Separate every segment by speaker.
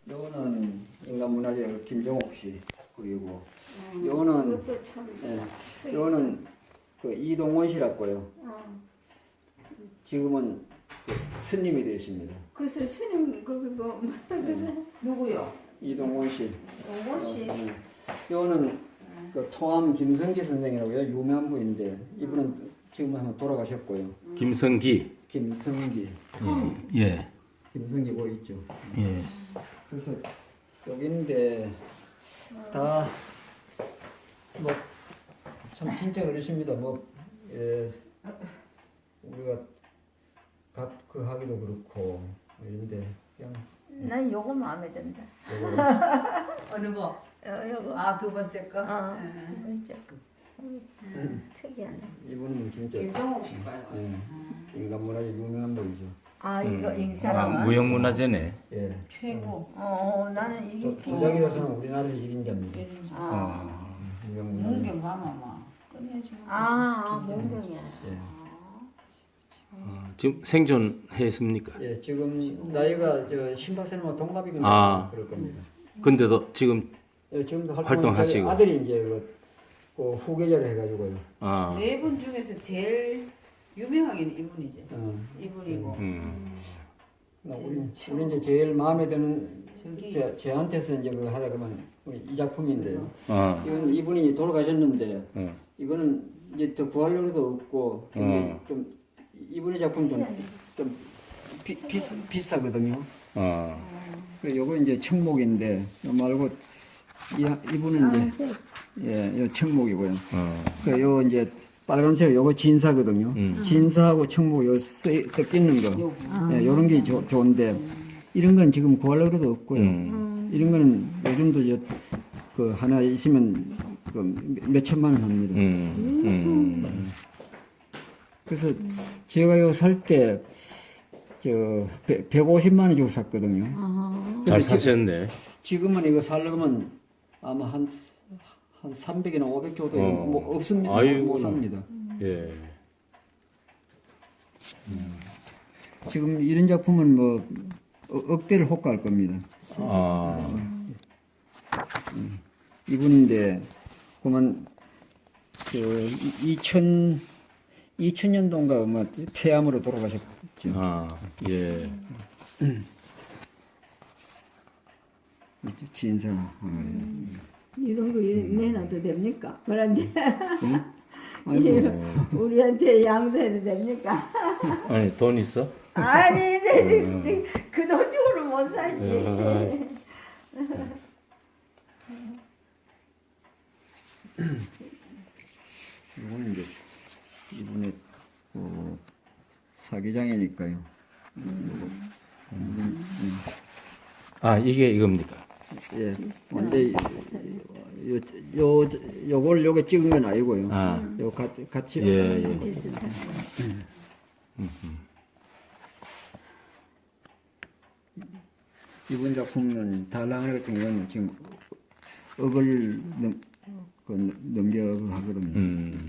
Speaker 1: 요거는 인간문화재 김정옥 씨. 그리고 요거는
Speaker 2: 그것도 참.
Speaker 1: 요거는 그 이동원 씨라고요. 지금은 그 스님이 되십니다.
Speaker 2: 그 스님 거기 뭐
Speaker 3: 누구요?
Speaker 1: 이동원 씨.
Speaker 2: 오원 씨.
Speaker 1: 요거는 그 토암 김성기 선생이라고요. 유명한 분인데 이분은 지금 한번 돌아가셨고요.
Speaker 4: 김성기.
Speaker 1: 김성기.
Speaker 4: 예.
Speaker 1: 김성기 뭐 있죠.
Speaker 4: 예.
Speaker 1: 그래서 여기인데 다 뭐 참 진짜 그러십니다. 뭐 우리가 그 하기도 그렇고 이런데 그냥
Speaker 2: 난 요거 마음에 든다.
Speaker 1: 요거
Speaker 3: 어느 거?
Speaker 2: 요거.
Speaker 3: 아, 두 번째 거?
Speaker 2: 진짜 특이하네.
Speaker 1: 이분은 진짜
Speaker 3: 김정옥 씨가요.
Speaker 1: 인간문화재 유명한 분이죠.
Speaker 2: 아 이거
Speaker 4: 아,
Speaker 2: 인사람.
Speaker 4: 무형문화재네.
Speaker 1: 예.
Speaker 3: 최고.
Speaker 2: 나는 이게
Speaker 1: 도자기로서는 우리나라에서 1인자입니다. 유명문화재.
Speaker 3: 문경 가면 막 끝내주면.
Speaker 2: 문경이야.
Speaker 1: 예.
Speaker 4: 지금 생존했습니까?
Speaker 1: 예, 지금 나이가 저 신박사님하고 동갑이거든요. 그럴 겁니다.
Speaker 4: 근데도 지금
Speaker 1: 예, 지금도
Speaker 4: 활동하시고.
Speaker 1: 아들이 이제 그 후계자를 해가지고요.
Speaker 3: 네 분 중에서 제일 유명하긴 이분이지. 이분이고.
Speaker 1: 우리 이제 제일 마음에 드는
Speaker 3: 저기.
Speaker 1: 제한테서 이제 그 하라 그러면 이 작품인데요.
Speaker 4: 어.
Speaker 1: 이건 이분이 돌아가셨는데 이거는 이제 더 구할 노래도 없고 이게 좀 이분의 작품 좀 비싸거든요. 그 요거 이제 청목인데 요 말고 이분은 이제 요 청목이고요. 그 이제 빨간색 요거 진사거든요. 진사하고 청목 요 섞이는 거. 요런 게 좋은데 이런 건 지금 구할 노래도 없고요. 이런 거는 요즘도 그 하나 있으면 그 몇천만 원 합니다. 그래서 제가 요 살 때 저 150만 원 주고 샀거든요.
Speaker 4: 잘 사셨네.
Speaker 1: 지금은 이거 살려면 아마 한 300이나 500 정도 뭐 없습니다.
Speaker 4: 아이고.
Speaker 1: 못 삽니다.
Speaker 4: 예.
Speaker 1: 지금 이런 작품은 뭐 억대를 호가할 겁니다. 이분인데 그만 그 2000년도인가 뭐 폐암으로 돌아가셨죠.
Speaker 4: 예.
Speaker 1: 진사.
Speaker 2: 이런 거 내놔도 됩니까? 그런데
Speaker 1: 아이고.
Speaker 2: 우리한테 양도해도 됩니까?
Speaker 4: 아니, 돈 있어?
Speaker 2: 아니, 그 돈 주고는 못 사지.
Speaker 1: 이거는 이제 이분의 사기장이니까요.
Speaker 4: 이게 이겁니까?
Speaker 1: 예. 근데 요게 찍은 건 아니고요. 요 같이.
Speaker 4: 예.
Speaker 2: 비슷한.
Speaker 1: 이번 작품은 달랑을 같은 경우는 지금 억을 넘겨 하거든요.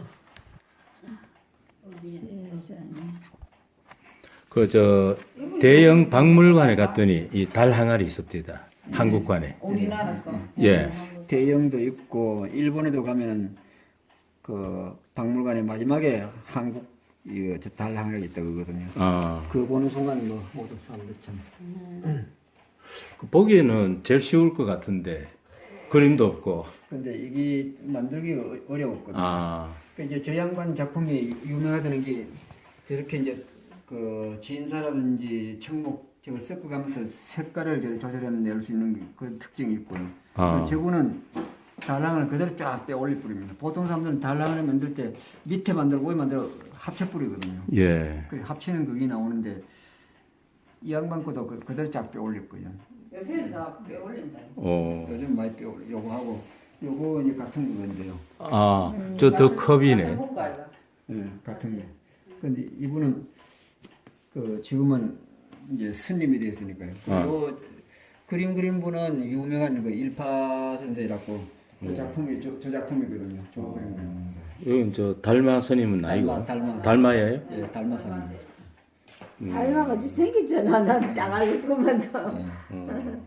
Speaker 4: 대형 박물관에 갔더니 이 달 항아리 있었대다. 한국관에.
Speaker 3: 우리나라 거.
Speaker 4: 예.
Speaker 1: 대형도 있고 일본에도 가면은 그 박물관에 마지막에 한국 이거 달랑을 있다 그거든요. 그 보는 순간 뭐 모두 사람들 참.
Speaker 4: 그 보기에는 제일 쉬울 것 같은데 그림도 없고.
Speaker 1: 근데 이게 만들기가 어려웠거든요. 그 이제 저 양반 작품이 유명하다는 게 저렇게 이제 그 진사라든지 청목 저걸 섞어가면서 색깔을 조절해 낼 수 있는 그 특징이 있고요. 저거는 달랑을 그대로 쫙 빼올릴 뿌립니다. 보통 사람들은 달랑을 만들 때 밑에 만들고 위에 만들어 합쳐 뿌리거든요.
Speaker 4: 예.
Speaker 1: 그 합치는 그게 나오는데 이 양반 것도 그대로 쫙 빼올릴 거예요.
Speaker 3: 요새는 다 빼올린다.
Speaker 1: 요즘 많이 빼올려. 요거 하고 요거 이제 같은 거건데요.
Speaker 4: 저 더 컵이네.
Speaker 3: 네.
Speaker 1: 같은 거. 근데 이분은 그 지금은 이제 스님이 되었으니까요. 그리고 그림 그린 분은 유명한 그 일파 선생이라고 그 작품이 저 작품이거든요. 저 그림 그린.
Speaker 4: 이건 저 달마 스님은 아니고. 달마예요?
Speaker 1: 예, 달마상입니다.
Speaker 2: 닮아가지고 생겼잖아. 난 따가지고 그만둬.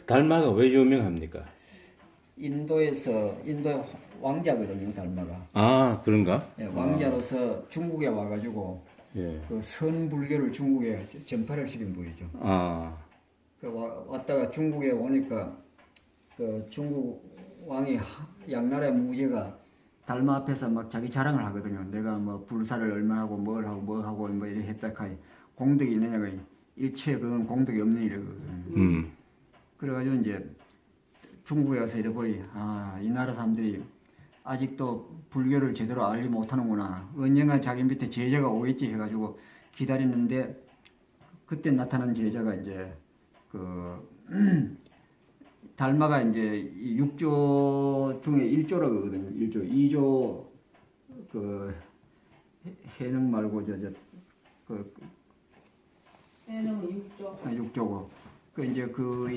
Speaker 4: 달마가 왜 유명합니까?
Speaker 1: 인도에서 인도 왕자거든요, 달마가.
Speaker 4: 아, 그런가?
Speaker 1: 예, 왕자로서 중국에 와가지고
Speaker 4: 예.
Speaker 1: 그 선불교를 중국에 전파를 시킨 분이죠.
Speaker 4: 아,
Speaker 1: 왔다가 중국에 오니까 그 중국 왕이 양나라의 무제가 달마 앞에서 막 자기 자랑을 하거든요. 내가 뭐 불사를 얼마나 하고 뭘 하고 뭐 하고 뭐 이렇게 했다 카니 공덕이 있느냐가 일체 그건 공덕이 없는 일이거든요. 그래가지고 이제 중국에 가서 이래 보니 이 나라 사람들이 아직도 불교를 제대로 알지 못하는구나. 언젠가 자기 밑에 제자가 오겠지 해가지고 기다리는데 그때 나타난 제자가 이제 그 달마가 이제 이 6조 중에 1조라고 하거든요. 1조, 2조 그 해능 말고 그
Speaker 3: 해는 6조.
Speaker 1: 6조고 그 이제 그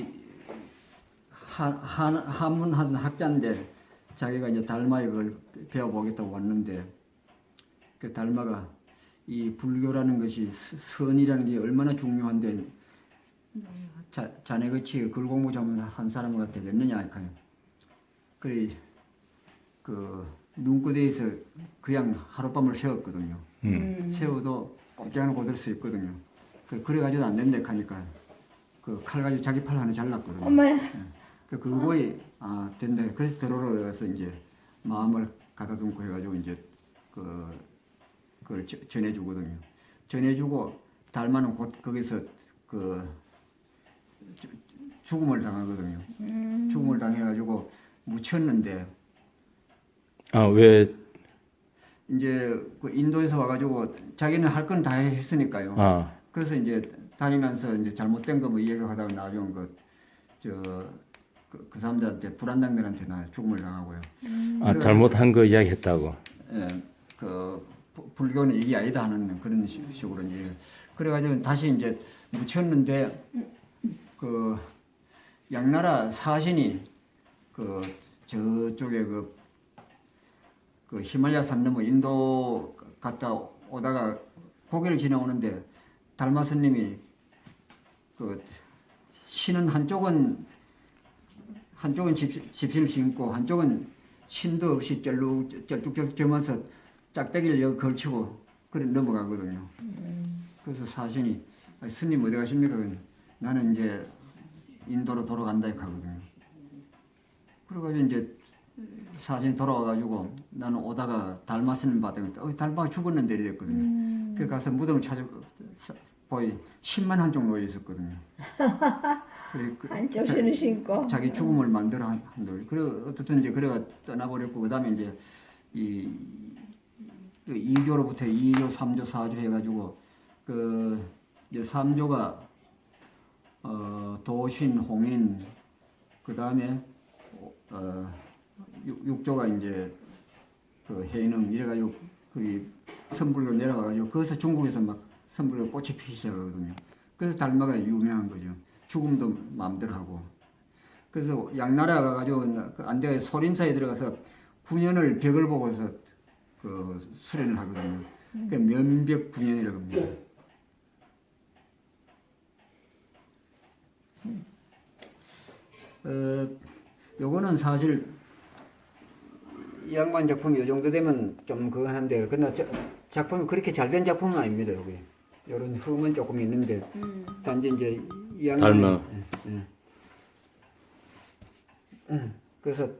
Speaker 1: 한문 한 학자인데 자기가 이제 달마에 그걸 배워보겠다고 왔는데 그 달마가 이 불교라는 것이 선이라는 게 얼마나 중요한데 자네같이 글 공부 좀 한 사람과 되겠느냐 하니까 그래 그 눈구대에서 그냥 하룻밤을 세웠거든요. 세워도 꼼짝을 못할 수 있거든요. 그래가지고 안 된다 하니까 그 칼 가지고 자기 팔 하나 잘랐거든요.
Speaker 2: 엄마야.
Speaker 1: 그거에 된다. 그래서 들어오러 가서 이제 마음을 가다듬고 해가지고 이제 그걸 전해주거든요. 전해주고 달마는 곧 거기서 그 죽음을 당하거든요. 죽음을 당해가지고 묻혔는데
Speaker 4: 왜?
Speaker 1: 이제 그 인도에서 와가지고 자기는 할 건 다 했으니까요. 그래서 이제 다니면서 이제 잘못된 거 뭐 이야기하다가 나중에 그 사람들한테 불안당들한테 나 죽음을 당하고요.
Speaker 4: 잘못한 거 이야기했다고.
Speaker 1: 예, 그 불교는 이게 아니다 하는 그런 식으로 이제 그래가지고 다시 이제 묻혔는데 그 양나라 사신이 그 저쪽에 그 히말라야 산 넘어 인도 갔다 오다가 고개를 지나오는데 달마 스님이 그 신은 한쪽은 집신을 신고 한쪽은 신도 없이 쩔뚝쩔뚝하면서 짝대기를 여기 걸치고 그래 넘어가거든요. 그래서 사신이 스님 어디 가십니까? 나는 이제 인도로 돌아간다 하거든요. 그래가지고 이제 사신이 돌아와가지고 나는 오다가 달마 스님 받았는데 달마가 죽었는데 이랬거든요. 그래서 가서 무덤을 보이 10만 한쪽 놓여 있었거든요.
Speaker 2: 한쪽 신을 신고.
Speaker 1: 자기 죽음을 만들어 한다. 그래 어떻든 이제 그래가 떠나버렸고 그다음에 이제 이 2조로부터 2조, 3조, 4조 해가지고 그 이제 3조가 도신, 홍인 그다음에 6조가 이제 그 해능 이래가지고 거기 선불로 내려가가지고 거기서 중국에서 막 선불로 꽃이 피기 시작하거든요. 그래서 달마가 유명한 거죠. 죽음도 마음대로 하고. 그래서 양나라 가가지고 안대가 소림사에 들어가서 9년을 벽을 보고서 그 수련을 하거든요. 그 면벽 9년이라고 합니다. 요거는 사실 이 양반 작품이 이 정도 되면 좀 그거 한데 그러나 작품이 그렇게 잘 된 작품은 아닙니다. 여기 이런 흠은 조금 있는데 단지 이제 이 양반이
Speaker 4: 달마.
Speaker 1: 그래서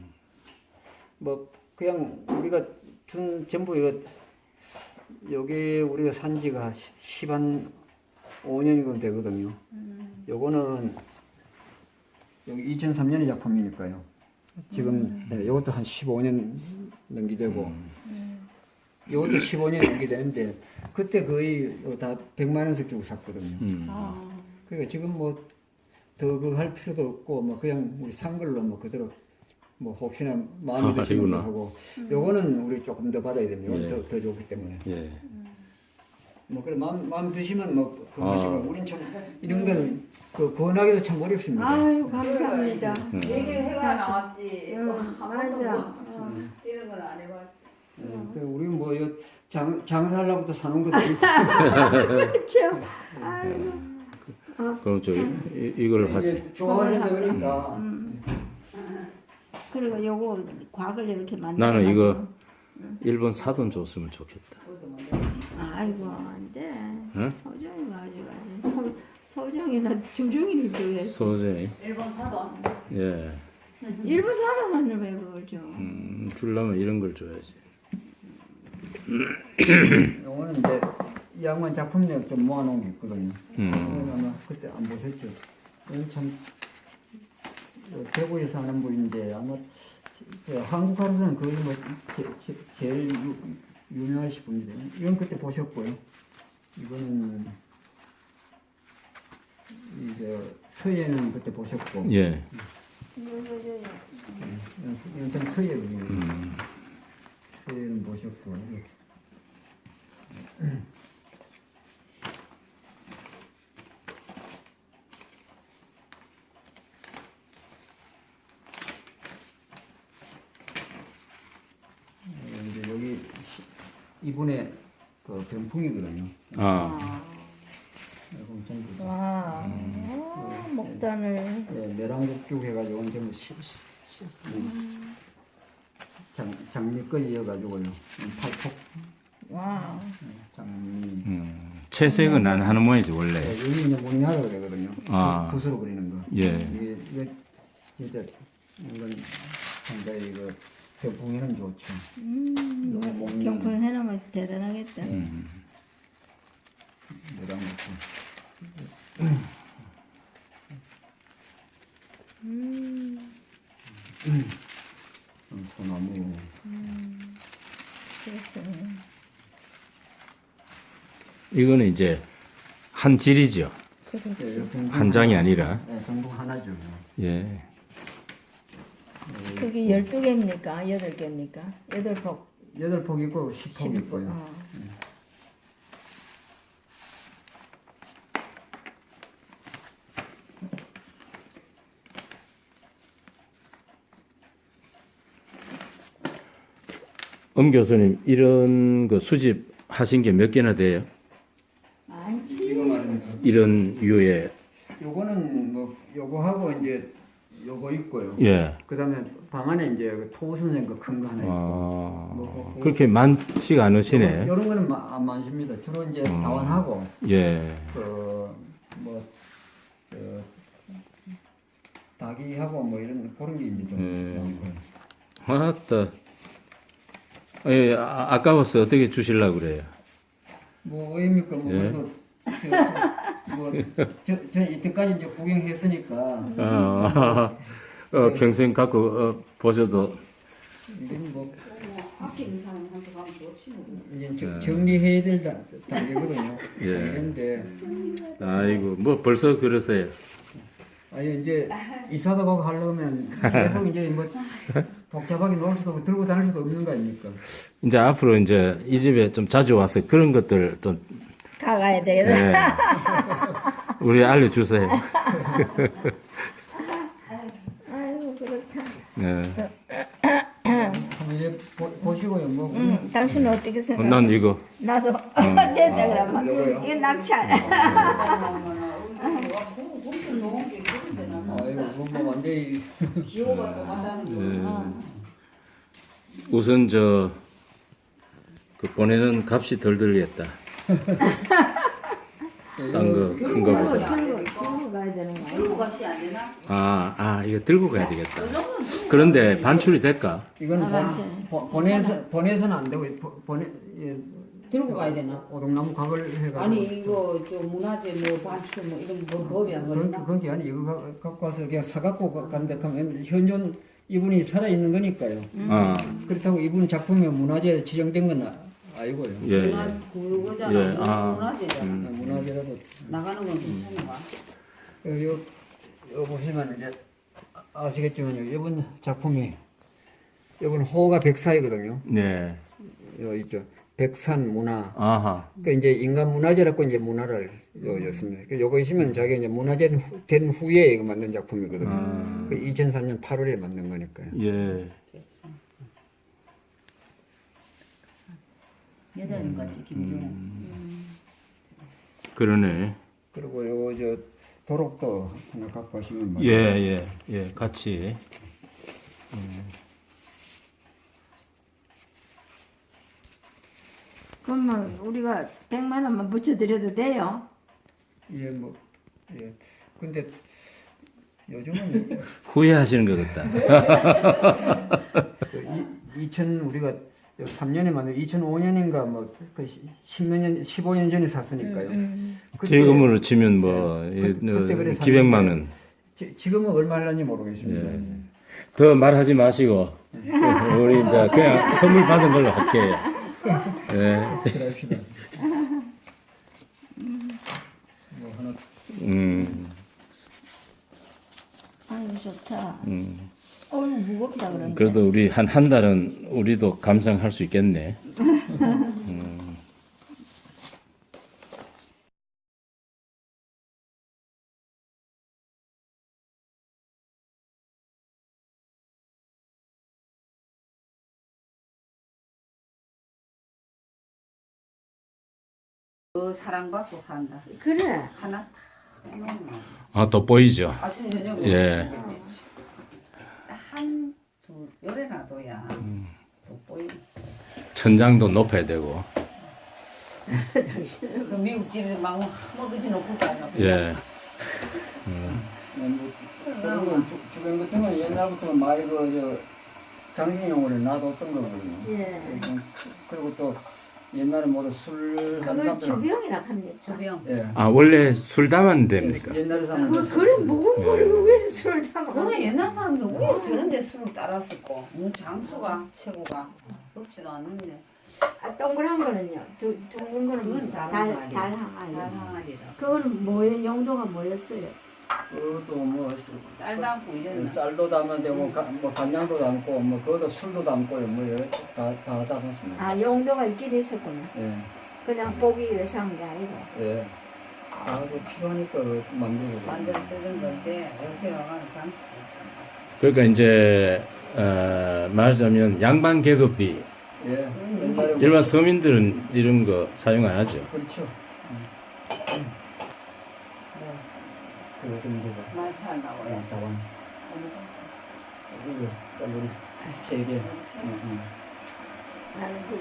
Speaker 1: 뭐 그냥 우리가 준 전부 이거 요게 우리가 산 지가 10한 5년이건 되거든요. 요거는 여기 2003년의 작품이니까요. 지금 이것도 한 15년 넘기되고 이것도 15년 넘기되는데 그때 거의 다 100만 원씩 주고 샀거든요. 그러니까 지금 뭐 더 그거 할 필요도 없고 뭐 그냥 우리 산 걸로 뭐 그대로 뭐 혹시나 마음에 드시는 거 하고 요거는 우리 조금 더 받아야 됩니다.
Speaker 4: 예.
Speaker 1: 더 좋기 때문에.
Speaker 4: 예.
Speaker 1: 뭐 그래 마음 드시면 뭐 그거 하시고 우린 참 이런 건 그 권하기도 참 어렵습니다.
Speaker 2: 아유 감사합니다.
Speaker 3: 얘기를 해가 나왔지. 뭐
Speaker 2: 맞아.
Speaker 3: 이런 걸 안 해봤지.
Speaker 1: 우리 뭐 장사하려고 또 사는 것도
Speaker 2: 그렇죠. 아이고.
Speaker 4: 그럼 이걸 하지.
Speaker 1: 이제 좋아하는데 그러니까
Speaker 2: 그리고 요거 곽을 이렇게 만들어.
Speaker 4: 나는 이거 일본 사돈 줬으면 좋겠다.
Speaker 2: 아이고 안 돼.
Speaker 4: 응?
Speaker 2: 소정이 가져가지. 소정이나 주정이를 줘야지.
Speaker 4: 소재.
Speaker 3: 일본 사도
Speaker 4: 예.
Speaker 2: 일본 사람한테 왜 그걸 줘?
Speaker 4: 주려면 이런 걸 줘야지.
Speaker 1: 요거는 이제 이 양반 작품들 좀 모아놓은 게 있거든요.
Speaker 4: 음.
Speaker 1: 이건 아마 그때 안 보셨죠? 이건 참 대구에서 하는 분인데 아마 한국 가로서는 거의 뭐 제일 유명하신 분이래요. 이건 그때 보셨고요. 이거는 이제 서예는 그때 보셨고.
Speaker 4: 예.
Speaker 1: 이건 좀 서예거든요. 서예는 보셨고. 이제 여기 이분의 그 병풍이거든요.
Speaker 4: 아.
Speaker 1: 이건 전부
Speaker 2: 와, 목단을.
Speaker 1: 네, 내랑국죽 해가지고 전부 장미거리여가지고요. 팔폭
Speaker 2: 와.
Speaker 1: 장미.
Speaker 4: 채색은 안 하는 모양이지 원래.
Speaker 1: 네, 여기 이제 모닝하라 그러거든요.
Speaker 4: 아.
Speaker 1: 붓으로 그리는 거.
Speaker 4: 예.
Speaker 1: 이게 진짜 이건 상당히 이거 병풍에는 좋죠. 이거 먹는
Speaker 2: 경품 해놓으면 대단하겠다.
Speaker 1: 내랑국죽. 소나무.
Speaker 2: 그렇습니다.
Speaker 4: 이거는 이제 한 질이죠. 한 장이 아니라.
Speaker 1: 네, 병풍 하나죠.
Speaker 4: 예.
Speaker 2: 그게 12개입니까? 8개입니까? 8폭.
Speaker 1: 8폭 있고 10폭 있고요.
Speaker 4: 엄 교수님 이런 거 수집 하신 게 몇 개나 돼요?
Speaker 2: 많지.
Speaker 1: 이거 말입니다.
Speaker 4: 이런 유의.
Speaker 1: 요거는 뭐 요거하고 이제 요거 있고요.
Speaker 4: 예.
Speaker 1: 그다음에 방 안에 이제 그 토우선생 그 큰 거 하나 있고.
Speaker 4: 아, 그렇게 많지가 않으시네.
Speaker 1: 요런 거는 안 많습니다. 주로 이제 다원하고
Speaker 4: 예.
Speaker 1: 그뭐 닭이하고 뭐 이런 그런 게 이제 좀 많고요.
Speaker 4: 맞다. 예, 아까워서 어떻게 주실라고 그래요?
Speaker 1: 뭐 의미니까 뭐
Speaker 4: 예.
Speaker 1: 그래도 뭐저 이때까지 이제 구경했으니까
Speaker 4: 평생 갖고 보셔도.
Speaker 1: 이건 뭐
Speaker 3: 학교 있는 사람한테 가면 좋지 뭐.
Speaker 1: 이제 정리해야 될 단계거든요.
Speaker 4: 예.
Speaker 1: 그런데
Speaker 4: 아이고, 뭐 벌써 그러세요.
Speaker 1: 아니 이제 이사도 가고 하려면 계속 이제 뭐 복잡하게 놀 수도 없고 들고 다닐 수도 없는 거 아닙니까?
Speaker 4: 이제 앞으로 이제 이 집에 좀 자주 와서 그런 것들 좀
Speaker 2: 가가야 되겠다.
Speaker 4: 예. 우리 알려주세요.
Speaker 2: 아이고, 그렇다.
Speaker 4: 예.
Speaker 1: 한번 이제 보시고요. 뭐
Speaker 2: 당신은 어떻게 생각해?
Speaker 4: 난 이거
Speaker 2: 나도 됐다 그러면.
Speaker 1: 요거요?
Speaker 2: 이거 낙찰.
Speaker 3: 엄청 좋은 게 그런데 나는
Speaker 1: 이거 뭐 완전히
Speaker 3: 기호가 또 간다는 거.
Speaker 4: 우선 그 보내는 값이 덜 들겠다. 딴 거 큰 거보다.
Speaker 2: 들고 가야 되는 거 아니야?
Speaker 3: 들고 값이 안 되나?
Speaker 4: 이거 들고 가야 되겠다. 그런데 반출이 될까?
Speaker 1: 이건 보내서는 안 되고 보내
Speaker 3: 들고 가야 되나?
Speaker 1: 오동나무 각을 해가지고
Speaker 3: 아니 이거 저 문화재 뭐 반출 뭐 이런 거 법이 안 걸리나?
Speaker 1: 그런 게 아니 이거 갖고 와서 그냥 사갖고 간다 하면 현존 이분이 살아 있는 거니까요.
Speaker 4: 아,
Speaker 1: 그렇다고 이분 작품이 문화재 지정된 건 아니고요.
Speaker 4: 예.
Speaker 3: 그거잖아.
Speaker 4: 예,
Speaker 3: 문화재잖아.
Speaker 1: 문화재라도
Speaker 3: 나가는 건 괜찮은가?
Speaker 1: 요 보시면 이제 아시겠지만요. 이번 작품이 이번 호가 백사이거든요.
Speaker 4: 네.
Speaker 1: 요 있죠. 백산 문화.
Speaker 4: 아하.
Speaker 1: 그 이제 인간 문화재라고 이제 문화를 였습니다. 요거 있으면 자기 이제 문화재 된 후에 이거 만든 작품이거든요. 그 2003년 8월에 만든 거니까요.
Speaker 4: 예.
Speaker 3: 여자님 같지 김정은.
Speaker 4: 그러네.
Speaker 1: 그리고 요거 도록도 하나 갖고 가시면
Speaker 4: 예, 예, 예, 같이.
Speaker 2: 그러면 우리가 100만 원만 붙여드려도 돼요?
Speaker 1: 예, 뭐, 예. 근데 요즘은
Speaker 4: 후회하시는 것 같다.
Speaker 1: 2000 우리가 3년에 만든 2005년인가 뭐그 10몇 년, 15년 전에 샀으니까요. 그때-
Speaker 4: 지금으로 치면 뭐
Speaker 1: 그때 그래
Speaker 4: 기백만 원.
Speaker 1: 지금은 얼마 할는지 모르겠습니다.
Speaker 4: 예. 더 말하지 마시고 우리 이제 그냥 선물 받은 걸로 할게요. 예.
Speaker 1: 그럽시다. 뭐 하나
Speaker 2: 아유 좋다. 어우 무겁다 그런데.
Speaker 4: 그래도 우리 한 달은 우리도 감상할 수 있겠네.
Speaker 3: 그 사랑받고 산다.
Speaker 2: 그래.
Speaker 3: 하나 탁 해놓으면
Speaker 4: 아, 돋보이죠.
Speaker 3: 아침 저녁으로
Speaker 4: 예.
Speaker 3: 한두 열에 놔둬야 돋보이.
Speaker 4: 천장도 높아야 되고.
Speaker 3: 그 미국 집에 막 먹으시 놓고 가요.
Speaker 4: 예.
Speaker 1: 뭐, 저런 건 주변 같은 건 옛날부터 많이 그저 장식용으로 놔뒀던 거거든요.
Speaker 2: 예.
Speaker 1: 그리고 또 옛날에 모두 술 하는
Speaker 2: 그걸
Speaker 1: 사람들은
Speaker 2: 주병이라 합니까?
Speaker 3: 주병.
Speaker 1: 예.
Speaker 4: 아, 원래 술 담은 데입니까?
Speaker 1: 옛날에 사는
Speaker 2: 그걸 무거운 거를 왜 술을 담아?
Speaker 3: 그래 옛날 사람들 왜 저런데 술을 따랐을까? 장수가 최고가 그렇지도 않는데.
Speaker 2: 아, 동그란 거는요. 둥근 거는
Speaker 3: 그건 다른 말이야.
Speaker 2: 달항아리.
Speaker 3: 달항아리라.
Speaker 2: 그거는 뭐예요? 용도가 뭐였어요?
Speaker 1: 그것도 뭐
Speaker 3: 쌀 담고 이랬나?
Speaker 1: 쌀도 담아야 되고 뭐 간장도 담고 뭐 그것도 술도 담고요. 뭐 여러 다 담았습니다.
Speaker 2: 아 용도가 있긴 있었구나.
Speaker 1: 예.
Speaker 2: 그냥 보기 위해서 한 게 아니고.
Speaker 1: 예. 아그 필요하니까 만들고.
Speaker 3: 만들어 쓰던 건데 요새 와가는 장수가 있잖아.
Speaker 4: 그러니까 이제 말하자면 양반 계급비
Speaker 1: 예. 옛날에
Speaker 4: 일반 서민들은 이런 거 사용 안 하죠.
Speaker 1: 그렇죠. 그거 정도가
Speaker 3: 많지 않나고요.
Speaker 1: 다원. 이거 우리 세 개.
Speaker 2: 나는 그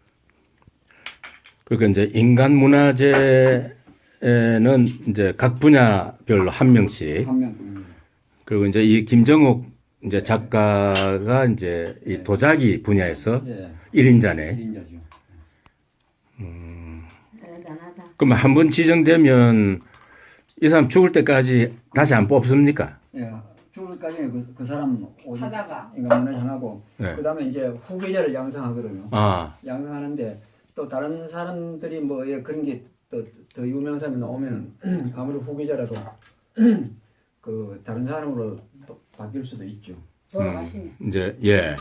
Speaker 4: 그러니까 이제 인간 문화재에는 이제 각 분야별로 한 명씩
Speaker 1: 한 명.
Speaker 4: 그리고 이제 이 김정옥 이제 작가가 이제 이 도자기 분야에서
Speaker 1: 예.
Speaker 4: 1인자네.
Speaker 1: 1인자죠.
Speaker 2: 대단하다.
Speaker 4: 그럼 한 번 지정되면 이 사람 죽을 때까지 다시 안 뽑습니까?
Speaker 1: 예. 죽을까지 그 사람
Speaker 3: 하다가.
Speaker 1: 인간문화재 하고
Speaker 4: 네.
Speaker 1: 그다음에 이제 후계자를 양성하거든요.
Speaker 4: 아,
Speaker 1: 양성하는데 또 다른 사람들이 뭐 예, 그런 게 또 더 유명한 사람이 나오면 아무리 후계자라도 그 다른 사람으로 또 바뀔 수도 있죠.
Speaker 3: 돌아가시면.
Speaker 4: 이제 예.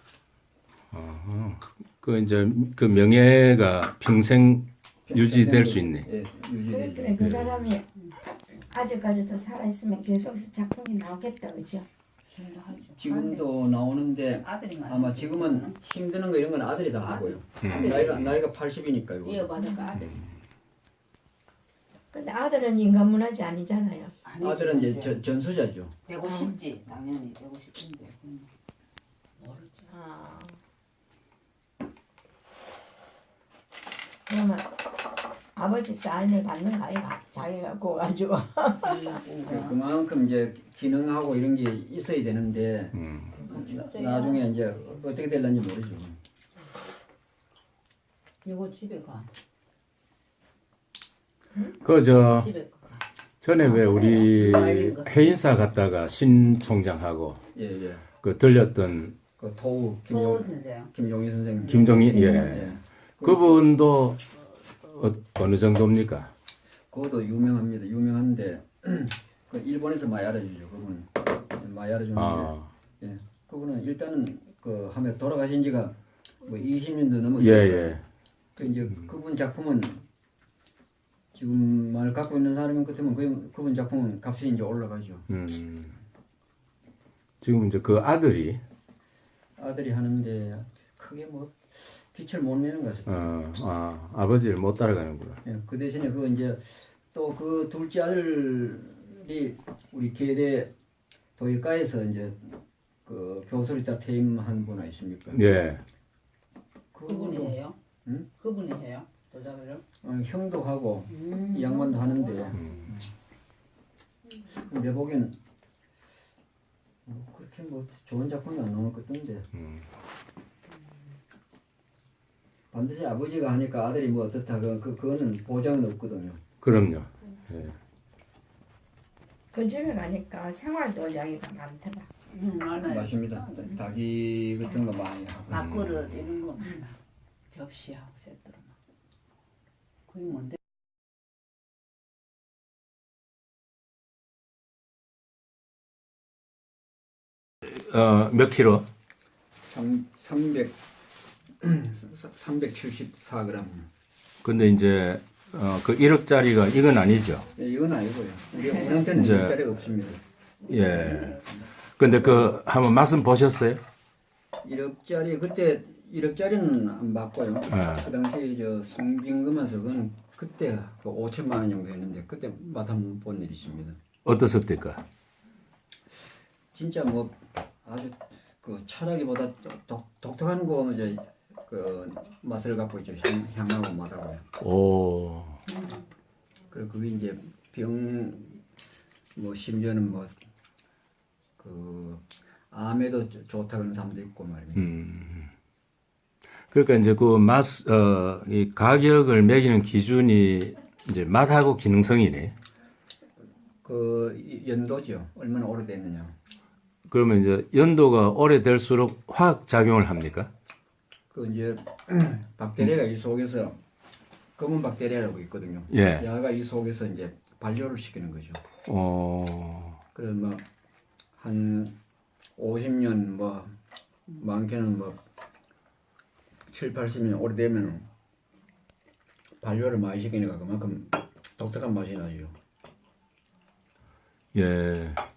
Speaker 4: 그 이제 그 명예가 평생 유지될 수 있네.
Speaker 1: 예, 유지되죠.
Speaker 2: 그래 그 사람이 아직까지도 살아 있으면 계속 작품이 나오겠다 그죠?
Speaker 3: 지금도 하죠.
Speaker 1: 지금도 나오는데
Speaker 3: 아들이 많이
Speaker 1: 아마 지금은 힘드는 거 이런 건 아들이 다 하고요. 나이가 80이니까요.
Speaker 3: 이어받을까 아들.
Speaker 2: 근데 아들은 인간문화재 아니잖아요.
Speaker 1: 아들은 이제 전수자죠.
Speaker 3: 되고 싶지 당연히 되고 싶은데 모르지.
Speaker 2: 아. 그러면 아버지 사인을 받는 거 아이가 자기가 구워가지고.
Speaker 1: 그만큼 이제 기능하고 이런 게 있어야 되는데 나중에 이제 어떻게 될는지 모르죠.
Speaker 3: 이거 집에 가.
Speaker 4: 그저
Speaker 3: 집에 가.
Speaker 4: 전에 왜 우리 해인사 갔다가 신 총장하고
Speaker 1: 예, 예.
Speaker 4: 그 들렸던
Speaker 1: 그 토우
Speaker 3: 또 선생.
Speaker 1: 김용희 선생님.
Speaker 4: 김종희 예.
Speaker 1: 예.
Speaker 4: 그분도 어느 정도입니까?
Speaker 1: 그것도 유명합니다. 유명한데 그 일본에서 많이 알아주죠. 그분 많이 알아주는데
Speaker 4: 아.
Speaker 1: 예. 그분은 일단은 그 하면 돌아가신 지가 뭐 20년도
Speaker 4: 예,
Speaker 1: 넘었어요.
Speaker 4: 예.
Speaker 1: 그 이제 그분 작품은 지금 말 갖고 있는 사람인 것 같으면 그분 작품은 값이 이제 올라가죠.
Speaker 4: 지금 이제 그 아들이
Speaker 1: 아들이 하는데 크게 뭐 빛을 못 내는 것 같아요.
Speaker 4: 아버지를 못 따라가는구나.
Speaker 1: 예, 그 대신에 그 이제 또 그 둘째 아들 우리 계대 도예과에서 이제 그 교수로 있다 퇴임한 분 아십니까?
Speaker 4: 예.
Speaker 3: 그분이 해요?
Speaker 1: 응?
Speaker 3: 그분이 해요? 도자기를?
Speaker 1: 형도 하고 이 양반도 하는데 내 보기엔 그렇게 뭐 좋은 작품이 안 나올 것 같던데 반드시 아버지가 하니까 아들이 뭐 어떻다 그거는 보장은 없거든요.
Speaker 4: 그럼요. 예.
Speaker 2: 그 집에 가니까 생활도 이야기가 많더라.
Speaker 3: 많아요.
Speaker 1: 맞습니다. 닭이 같은 거 많이 하고
Speaker 3: 밥그릇 이런 거 많아. 접시하고 세트로 막. 그게 뭔데?
Speaker 4: 몇 킬로?
Speaker 1: 374g.
Speaker 4: 근데 이제 그 1억짜리가 이건 아니죠.
Speaker 1: 이건 아니고요. 우리 오랑태는
Speaker 4: 이제-
Speaker 1: 1억짜리가 없습니다.
Speaker 4: 예. 근데 그 한번 맛은 보셨어요?
Speaker 1: 1억짜리 그때 1억짜리는 안 받고요.
Speaker 4: 아.
Speaker 1: 그 당시 저 송빈금에서 그건 그때 그 5천만 원 정도 했는데 그때 맛 한번 본 일이 있습니다.
Speaker 4: 어떻습니까?
Speaker 1: 진짜 뭐 아주 그 차라기보다 독특한 거 이제 그 맛을 갖고 있죠. 향하고 맛하고요.
Speaker 4: 오.
Speaker 1: 그리고 그게 이제 뭐 심지어는 뭐 그 암에도 좋다 그런 사람도 있고 말입니다.
Speaker 4: 그러니까 이제 그 맛, 이 가격을 매기는 기준이 이제 맛하고 기능성이네.
Speaker 1: 그 연도죠. 얼마나 오래됐느냐.
Speaker 4: 그러면 이제 연도가 오래될수록 화학 작용을 합니까?
Speaker 1: 그 이제 박테리아가 이 속에서 검은 박테리아라고 있거든요.
Speaker 4: 예.
Speaker 1: 야가 이 속에서 이제 발효를 시키는 거죠. 그래서 뭐 한 50년 뭐 많게는 뭐 7, 80년 오래되면 발효를 많이 시키니까 그만큼 독특한 맛이 나죠.
Speaker 4: 예.